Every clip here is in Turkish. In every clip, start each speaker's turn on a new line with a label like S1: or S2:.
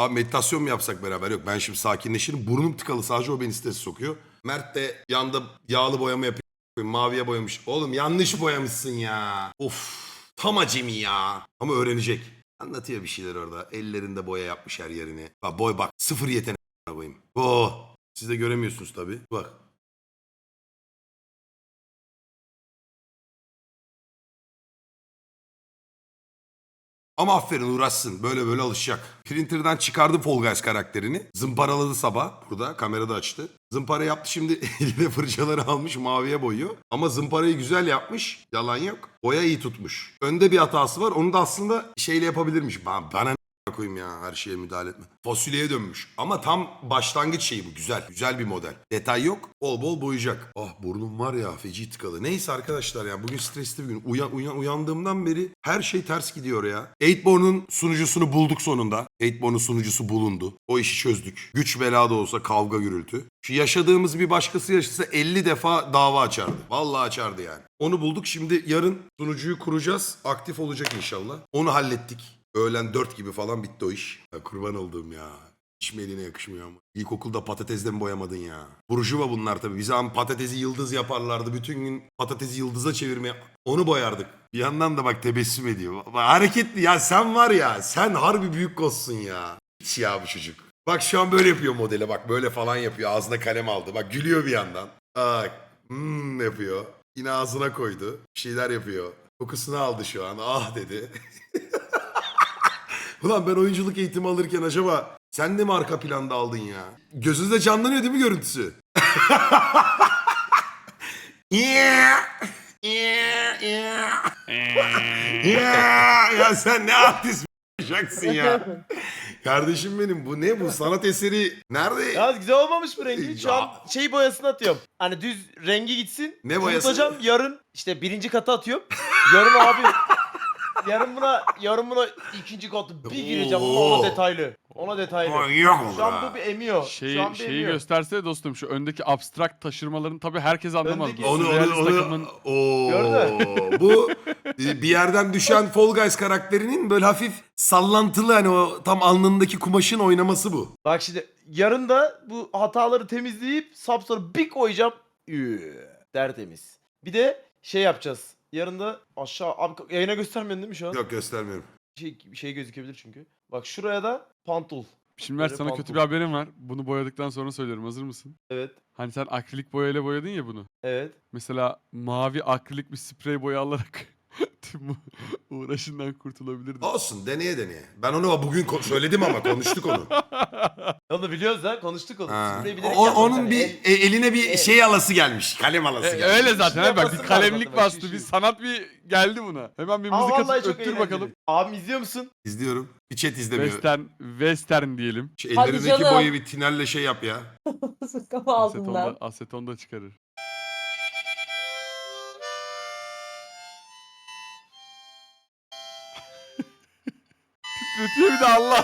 S1: Abi meditasyon mu yapsak beraber? Yok ben şimdi sakinleşirim. Burnum tıkalı sadece o beni strese sokuyor. Mert de yanda yağlı boyama yapıyor. Maviye boyamış. Oğlum yanlış boyamışsın ya. Of tam acemi ya. Ama öğrenecek. Anlatıyor bir şeyler orada. Ellerinde boya yapmış her yerini. Bak boy bak. Sıfır yetenek koyayım. Oh. Siz de göremiyorsunuz tabii. Bak. Ama aferin uğraşsın. Böyle böyle alışacak. Printer'dan çıkardı Fall Guys karakterini. Zımparaladı sabah. Burada kamerada açtı. Zımpara yaptı şimdi eline fırçaları almış maviye boyuyor. Ama zımparayı güzel yapmış. Yalan yok. Boya iyi tutmuş. Önde bir hatası var. Onu da aslında şeyle yapabilirmiş. Bana ne koyayım ya her şeye müdahale etme. Fasulyeye dönmüş. Ama tam başlangıç şeyi bu. Güzel. Güzel bir model. Detay yok. Bol bol boyayacak. Ah burnum var ya feci tıkalı. Neyse arkadaşlar ya bugün stresli bir gün. Uyandığımdan beri her şey ters gidiyor ya. 8born'un sunucusunu bulduk sonunda. 8born'un sunucusu bulundu. O işi çözdük. Güç bela da olsa kavga gürültü. Şu yaşadığımız bir başkası yaşasa 50 defa dava açardı. Vallahi açardı yani. Onu bulduk. Şimdi yarın sunucuyu kuracağız. Aktif olacak inşallah. Onu hallettik. Öğlen 4 gibi falan bitti o iş. Ya kurban olduğum ya. Hiç mi eline yakışmıyor ama. İlkokulda patatesle mi boyamadın ya? Burjuva bunlar tabii. Bize patatesi yıldız yaparlardı. Bütün gün patatesi yıldıza çevirmeye... Onu boyardık. Bir yandan da bak tebessüm ediyor. Bak, hareketli ya sen var ya. Sen harbi büyük kozsun ya. Hiç ya bu çocuk. Bak şu an böyle yapıyor modele bak. Böyle falan yapıyor. Ağzına kalem aldı. Bak gülüyor bir yandan. Bak. Yapıyor. Yine ağzına koydu. Bir şeyler yapıyor. Kokusunu aldı şu an. Ah dedi. Ulan ben oyunculuk eğitimi alırken acaba sen de mi arka planda aldın ya? Gözünüzde canlanıyor değil mi görüntüsü? Ya sen ne artist olacaksın ya. Kardeşim benim bu ne bu sanat eseri nerede?
S2: Ya güzel olmamış bu rengi. Şu an şey boyasını atıyorum. Hani düz rengi gitsin.
S1: Ne boyası?
S2: Unutacağım yarın işte birinci katı atıyorum. Yarın abi yarın buna ikinci katı bir gireceğim ona detaylı. Ona detaylı.
S1: Manyak olur
S2: Şu an
S1: ha.
S2: bu bir emiyor. Şu an bir
S3: Şeyi
S2: emiyor.
S3: göstersene dostum şu öndeki abstrakt taşırmaların tabii herkes anlamaz.
S2: Öndeki-
S3: Bu
S1: Onu
S3: sürrealist takımın
S1: bu bir yerden düşen Fall Guys karakterinin böyle hafif sallantılı hani o tam alnındaki kumaşın oynaması bu.
S2: Bak şimdi yarın da bu hataları temizleyip sapsarı bir koyacağım. Tertemiz. Bir de şey yapacağız. Yarın da aşağı abi yayına göstermiyorsun değil mi şu an?
S1: Yok göstermiyorum.
S2: Şey gözükebilir çünkü. Bak şuraya da pantul.
S3: Şimdi Mert
S2: Böyle
S3: sana
S2: pantul.
S3: kötü bir haberim var. Bunu boyadıktan sonra söylüyorum. Hazır mısın?
S2: Evet.
S3: Hani sen akrilik boyayla boyadın ya bunu.
S2: Evet.
S3: Mesela mavi akrilik bir sprey boya alarak tüm bu uğraşından kurtulabilirdin.
S1: Olsun deneye deneye. Ben onu bugün söyledim ama konuştuk onu.
S2: Onu biliyoruz ha konuştuk onu.
S1: Ha.
S2: Spreyi bilerek yapmadık
S1: Onun
S2: hani.
S1: bir eline bir şey alası gelmiş. Kalem alası gelmiş.
S3: Öyle zaten abi bak
S2: yapması
S3: bir kalemlik
S2: lazım bak,
S3: bastı
S2: şu.
S3: bir sanat bir geldi buna. Hemen bir
S2: Ama
S3: müzik
S2: vallahi
S3: atıp
S2: çok
S3: öttür
S2: eğlenceli.
S3: bakalım.
S2: Abim izliyor musun?
S1: İzliyorum. Bir chat izlemiyor.
S3: Western diyelim.
S1: Şu
S4: Hadi
S1: ellerindeki
S4: canım.
S1: boyu bir tinerle şey yap ya.
S4: Kafa altından.
S3: Aseton da çıkarır. Titretiyor bir de Allah.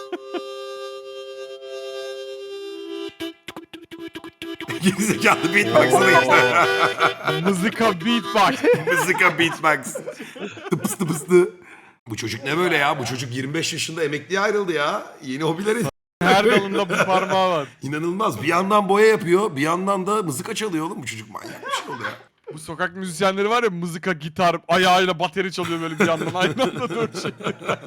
S1: Gerizekalı beatbox'ını işte.
S3: Mızıka beatbox.
S1: Mızıka beatbox. Tıpıs tıpıstı. Bu çocuk ne böyle ya? Bu çocuk 25 yaşında emekliye ayrıldı ya. Yeni hobileri
S3: Her dalında bu parmağı var.
S1: inanılmaz. Bir yandan boya yapıyor, bir yandan da mızıka çalıyor oğlum. Bu çocuk manyak bir şey oldu ya.
S3: Bu sokak müzisyenleri var ya mızıka, gitar, ayağıyla bateri çalıyor böyle bir yandan aynı anda dört şey.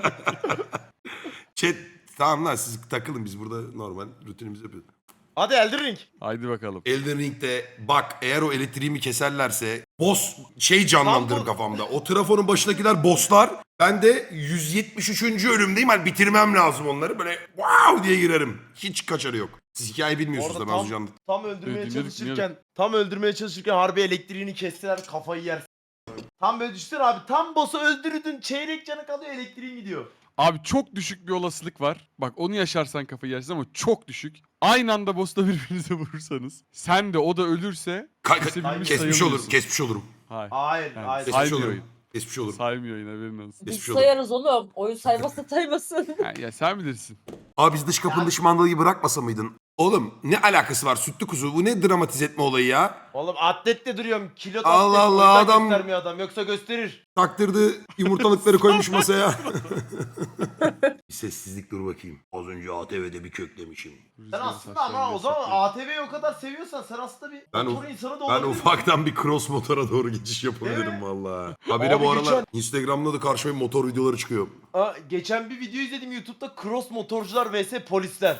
S1: Chat tamam lan siz takılın biz burada normal rutinimizi yapıyoruz.
S2: Hadi Elden Ring.
S3: Haydi bakalım.
S1: Elden Ring'de bak eğer o elektriğimi keserlerse boss şey canlandırır
S2: Tam bu-
S1: kafamda. O trafonun başındakiler bosslar. Ben de 173. ölümdeyim. Hani bitirmem lazım onları. Böyle wow diye girerim. Hiç kaçarı yok. Siz hikayeyi bilmiyorsunuz
S2: Orada
S1: da ben az önce anlattım.
S2: tam öldürmeye
S3: Dinledik,
S2: çalışırken harbi elektriğini kestiler kafayı yer. Tam böyle düştün abi tam boss'u öldürdün çeyrek canı kalıyor elektriğin gidiyor.
S3: Abi çok düşük bir olasılık var. Bak onu yaşarsan kafayı yersin ama çok düşük. Aynı anda boss'ta birbirinize vurursanız. Sen de o da ölürse kesebilmiş
S1: Kesmiş olurum.
S3: sayılmıyorsun.
S1: Kesmiş olurum.
S3: Hayır.
S2: Hayır
S3: Yani
S2: hayır.
S1: Kesmiş
S3: saymıyor
S1: olurum.
S3: oyun.
S1: Kesmiş olurum.
S3: Saymıyor yine haberin olsun.
S4: Biz
S1: Geçmiş olur.
S4: sayarız oğlum. Oyun saymazsa saymasın.
S3: Ya sen bilirsin.
S1: Abi biz dış kapının dış mandalıyı bırakmasa mıydın? Oğlum ne alakası var sütlü kuzu? Bu ne dramatize etme olayı ya?
S2: Oğlum atletle duruyorum kilo
S1: Allah
S2: atlet,
S1: Allah,
S2: o yüzden
S1: adam-
S2: göstermiyor adam yoksa gösterir.
S1: Taktırdı yumurtalıkları koymuş masaya. Bir sessizlik dur bakayım. Az önce ATV'de bir köklemişim.
S2: Sen
S3: Rüzgarın
S2: aslında ama
S3: saçlarını
S2: o zaman
S3: saplayıp-
S2: ATV'yi o kadar seviyorsan sen aslında bir
S1: Ben
S2: motor insanı da
S1: Ben
S2: olabilirsin.
S1: ufaktan bir cross motora doğru geçiş
S2: Değil
S1: yapabilirim
S2: mi?
S1: valla. Habire
S2: Abi
S1: bu aralar
S2: geçen-
S1: Instagram'da da karşıma motor videoları çıkıyor.
S2: Geçen bir video izledim YouTube'da cross motorcular vs polisler.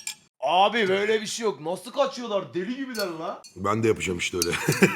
S2: Abi böyle bir şey yok. Nasıl kaçıyorlar? Deli gibiler la.
S1: Ben de yapacağım işte öyle.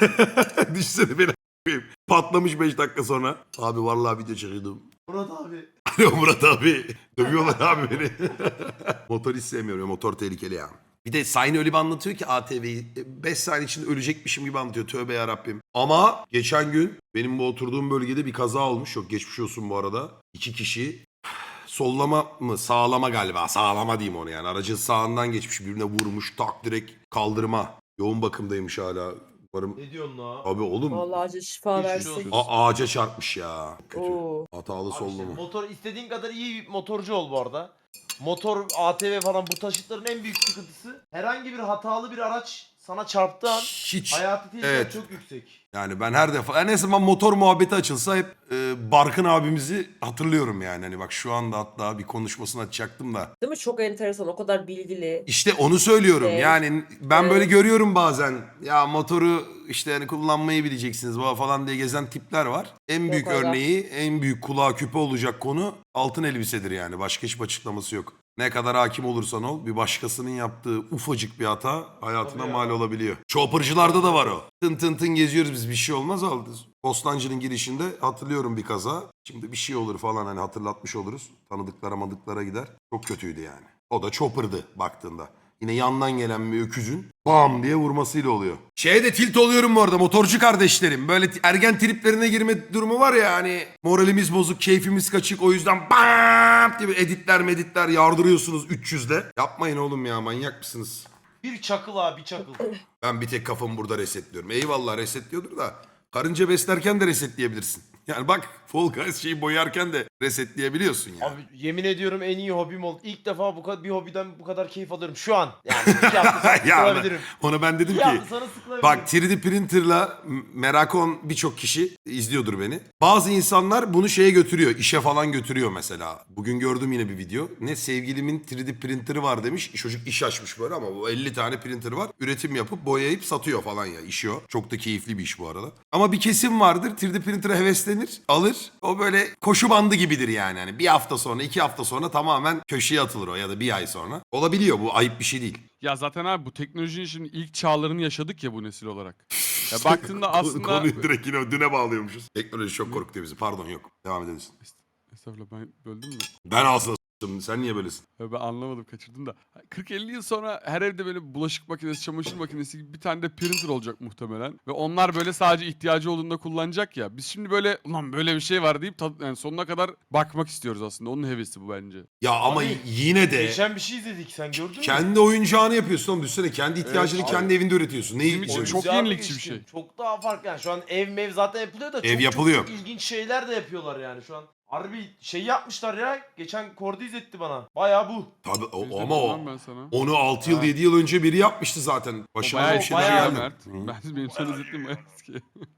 S1: Düşünsene beni a**ayım. Patlamış 5 dakika sonra. Abi vallahi video çekiyordum.
S2: Murat abi.
S1: Alo Murat abi. Dövüyorlar abi beni. Motor hiç sevmiyorum. Motor tehlikeli ya. Bir de Sayın öyle bir anlatıyor ki ATV'yi 5 saniye içinde ölecekmişim gibi anlatıyor. Tövbe yarabbim. Ama geçen gün benim bu oturduğum bölgede bir kaza olmuş. Çok geçmiş olsun bu arada. 2 kişi sollama mı sağlama galiba. Sağlama diyeyim onu yani. Aracın sağından geçmiş, birbirine vurmuş. Tak direkt kaldırıma. Yoğun bakımdaymış hala. Umarım...
S2: Ne diyorsun la?
S1: Abi oğlum
S4: Vallahi acı şifa
S2: Geçmiş
S4: versin.
S2: olsun.
S1: ağaca çarpmış ya. Kötü.
S4: Oo.
S1: Hatalı
S2: Abi işte
S1: sollama.
S2: motor istediğin kadar iyi bir motorcu ol bu arada. Motor, ATV falan bu taşıtların en büyük sıkıntısı herhangi bir hatalı bir araç sana çarptığı an
S1: Hiç.
S2: hayati tehlike
S1: Evet.
S2: çok yüksek.
S1: Yani ben her defa en azından motor muhabbeti açılsa hep Barkın abimizi hatırlıyorum yani. Hani bak şu anda hatta bir konuşmasını açacaktım da.
S4: Değil mi? Çok enteresan. O kadar bilgili.
S1: İşte onu söylüyorum.
S4: Evet.
S1: Yani ben böyle
S4: Evet.
S1: görüyorum bazen. Ya motoru işte hani kullanmayı bileceksiniz baba falan diye gezen tipler var. En büyük
S4: aga.
S1: örneği, en büyük kulağa küpe olacak konu altın elbisedir yani. Başka hiçbir açıklaması yok. Ne kadar hakim olursan ol bir başkasının yaptığı ufacık bir hata hayatına
S2: Tabii ya.
S1: mal olabiliyor. Chopper'cılarda da var o. Tın tın tın geziyoruz biz, bir şey olmaz aldı. Bostancı'nın girişinde hatırlıyorum bir kaza. Şimdi bir şey olur falan hani hatırlatmış oluruz. Tanıdıklara madıklara gider. Çok kötüydü yani. O da Chopper'dı baktığında. Yine yandan gelen bir öküzün bam diye vurmasıyla oluyor. Şeye de tilt oluyorum bu arada motorcu kardeşlerim. Böyle ergen triplerine girme durumu var ya hani moralimiz bozuk, keyfimiz kaçık o yüzden bam gibi editler yardırıyorsunuz 300'le. Yapmayın oğlum ya, manyak mısınız?
S2: Bir çakıl abi, bir çakıl.
S1: Ben bir tek kafamı burada resetliyorum. Eyvallah resetliyordur da karınca beslerken de resetleyebilirsin. Yani bak Fall Guys şeyi boyarken de resetleyebiliyorsun ya.
S2: Abi yemin ediyorum en iyi hobim oldu. İlk defa bu kadar bir hobiden bu kadar keyif alıyorum şu an. Yani 2 hafta sonra
S1: Ya
S2: sıkılabilirim.
S1: ona ben dedim
S2: 2
S1: ki
S2: hafta sonra sıkılabilirim.
S1: bak 3D printer'la merakı olan birçok kişi izliyordur beni. Bazı insanlar bunu şeye götürüyor, işe falan götürüyor mesela. Bugün gördüm yine bir video. Ne sevgilimin 3D printer'ı var demiş. Çocuk iş açmış böyle ama bu 50 tane printer var. Üretim yapıp boyayıp satıyor falan ya. İşi o. Çok da keyifli bir iş bu arada. Ama bir kesim vardır 3D printer'a heveslenir, alır. O böyle koşu bandı gibidir yani. Hani bir hafta sonra, 2 hafta sonra tamamen köşeye atılır o ya da bir ay sonra. Olabiliyor, bu ayıp bir şey değil.
S3: Ya zaten abi bu teknolojinin şimdi ilk çağlarını yaşadık ya bu nesil olarak. Ya baktığında aslında...
S1: Konuyu direkt yine düne bağlıyormuşuz. Teknoloji çok korkutuyor bizi. Pardon yok. Devam edebilirsin.
S3: Estağfurullah ben böldüm mü?
S1: Ben aslında s**tım. Sen niye böylesin?
S3: Ya ben anlamadım kaçırdım da. 40-50 yıl sonra her evde böyle bulaşık makinesi, çamaşır makinesi gibi bir tane de printer olacak muhtemelen. Ve onlar böyle sadece ihtiyacı olduğunda kullanacak ya. Biz şimdi böyle ulan böyle bir şey var deyip yani sonuna kadar bakmak istiyoruz aslında. Onun hevesi bu bence.
S1: Ya ama
S2: Abi,
S1: yine de
S2: Geçen bir şey izledik, sen gördün mü?
S1: kendi oyuncağını yapıyorsun oğlum. Düşünsene kendi ihtiyacını
S3: abi.
S1: kendi evinde üretiyorsun. Neyi
S3: Bizim için
S1: oyuncak?
S3: çok
S2: Oyuncağı
S3: yenilikçi bir
S2: geçtim.
S3: şey.
S2: Çok daha farklı yani şu an ev mev zaten yapılıyor da
S1: Ev
S2: çok,
S1: yapılıyor.
S2: çok ilginç şeyler de yapıyorlar yani şu an. Harbi şey yapmışlar ya. Geçen Kordi izletti bana. Baya bu.
S1: Tabii
S3: Bizde
S1: ama o.
S3: bilmem ben sana.
S1: Onu 6 yıl
S3: Ha.
S1: 7 yıl önce biri yapmıştı zaten.
S3: O
S1: Başına
S3: bayağı
S1: bir
S2: eski
S1: şeyler
S2: ya
S1: geldi.
S3: Mert.
S1: Hı.
S3: Benim sana izlettiğim bayağı eski.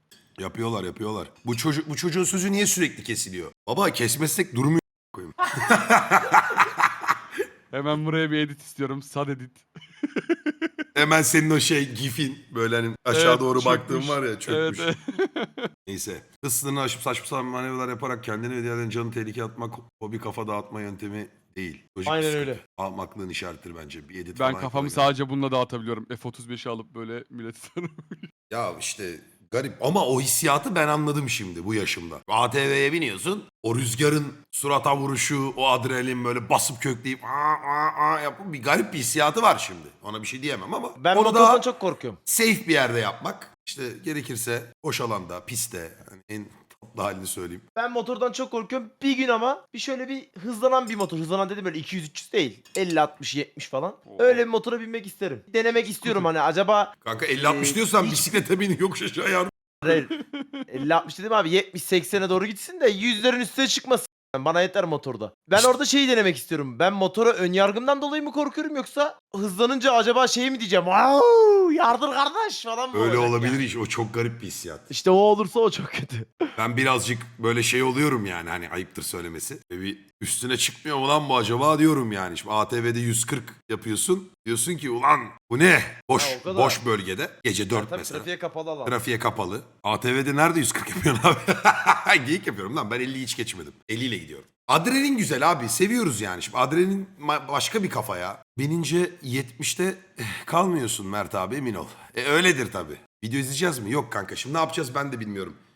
S1: Yapıyorlar. Bu çocuğun sözü niye sürekli kesiliyor? Baba kesmezsek durmuyor. Koyayım.
S3: Hemen buraya bir edit istiyorum. Sad edit.
S1: Hemen senin o şey gifin böyle hani aşağı
S3: Evet,
S1: doğru
S3: çökmüş.
S1: baktığın var ya çökmüş.
S3: Evet.
S1: Neyse. Hız sınırını aşıp saçma sapan manevralar yaparak kendini ve diğerlerinin canını tehlikeye atmak hobi kafa dağıtma yöntemi değil. Lojik
S2: Aynen
S1: bir sıkıntı.
S2: öyle.
S1: Ahmaklığın işaretidir bence. Bir edit
S3: Ben
S1: falan
S3: kafamı
S1: yaparak.
S3: sadece bununla dağıtabiliyorum. F-35'i alıp böyle milleti tanım.
S1: Ya işte garip ama o hissiyatı ben anladım şimdi bu yaşımda. ATV'ye biniyorsun. O rüzgarın surata vuruşu, o adrenalin böyle basıp kökleyip yapıp bir garip bir hissiyatı var şimdi. Ona bir şey diyemem ama
S2: Ben
S1: onu
S2: motordan
S1: daha
S2: çok korkuyorum.
S1: safe bir yerde yapmak. İşte gerekirse boş alanda, pistte, hani en tatlı halini söyleyeyim.
S2: Ben motordan çok korkuyorum. Bir gün ama bir şöyle bir hızlanan bir motor. Hızlanan dedim böyle 200-300 değil. 50-60-70 falan.
S3: Oo.
S2: Öyle bir motora binmek isterim. Denemek istiyorum hani acaba...
S1: Kanka 50-60 diyorsan
S2: hiç-
S1: bisiklete bin yokuş aşağı yardım.
S2: Hayır. 50-60 dedim abi 70-80'e doğru gitsin de 100'lerin üstüne çıkmasın. Bana yeter motorda. Ben
S1: İşte-
S2: orada şeyi denemek istiyorum. Ben motora ön yargımdan dolayı mı korkuyorum yoksa hızlanınca acaba şey mi diyeceğim? Wow, yardır kardeş falan mı
S1: Öyle
S2: olacak
S1: olabilir
S2: yani?
S1: iş. O çok garip bir hissiyat.
S2: İşte o olursa o çok kötü.
S1: Ben birazcık böyle şey oluyorum yani hani ayıptır söylemesi. Bir üstüne çıkmıyor mu lan bu acaba diyorum yani. Şimdi ATV'de 140 yapıyorsun. Diyorsun ki ulan bu ne? Boş
S2: Ha, o kadar.
S1: boş bölgede. Gece 4
S2: Tabii
S1: mesela.
S2: trafiğe kapalı alan.
S1: Trafiğe kapalı. ATV'de nerede 140 yapıyorsun abi? Geyik yapıyorum lan. Ben 50'yi hiç geçmedim. 50 ile gidiyorum. Adrenalin güzel abi. Seviyoruz yani. Şimdi adrenalin başka bir kafa ya. Binince 70'te kalmıyorsun Mert abi emin ol. Öyledir tabii. Video izleyeceğiz mi? Yok kanka. Şimdi ne yapacağız ben de bilmiyorum.